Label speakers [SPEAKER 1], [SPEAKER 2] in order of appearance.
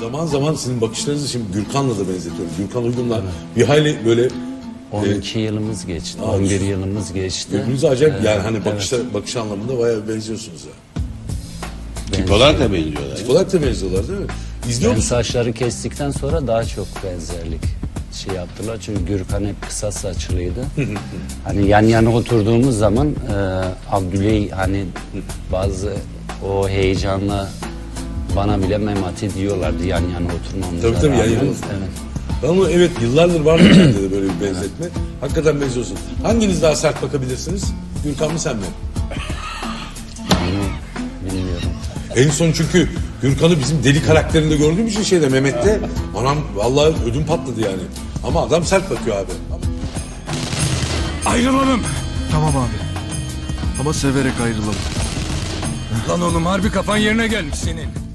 [SPEAKER 1] zaman zaman sizin bakışlarınızı şimdi Gürkan'la da benzetiyorum. Gürkan Uygun'la bir hayli böyle
[SPEAKER 2] 12 yılımız geçti, 11 yılımız geçti.
[SPEAKER 1] birbirinize acayip yani hani bakış anlamında bayağı benziyorsunuz ya.
[SPEAKER 3] Tip olarak da benziyorlar.
[SPEAKER 1] Tip olarak da benziyorlar değil mi? İzliyor
[SPEAKER 2] Ben
[SPEAKER 1] musun?
[SPEAKER 2] saçları kestikten sonra daha çok benzerlik şey yaptılar. Çünkü Gürkan hep kısa saçlıydı. Hani yan yana oturduğumuz zaman Abdüley hani bazı o heyecanla bana bile Memati diyorlardı yan yana oturmamıza
[SPEAKER 1] Tabii yan
[SPEAKER 2] rağmen.
[SPEAKER 1] yana.
[SPEAKER 2] Evet.
[SPEAKER 1] Ben onu evet yıllardır var mı sende de böyle bir benzetme. Hakikaten benziyorsun. Hanginiz daha sert bakabilirsiniz? Gürkan mı sen mi?
[SPEAKER 2] Onu bilmiyorum.
[SPEAKER 1] En son çünkü Gürkan'ı bizim deli karakterinde gördüğüm için şeyde Mehmet'te anam vallahi ödüm patladı yani. Ama adam sert bakıyor abi.
[SPEAKER 4] Ayrılalım.
[SPEAKER 5] Tamam abi. Ama severek ayrılalım.
[SPEAKER 4] Lan oğlum harbi kafan yerine gelmiş senin.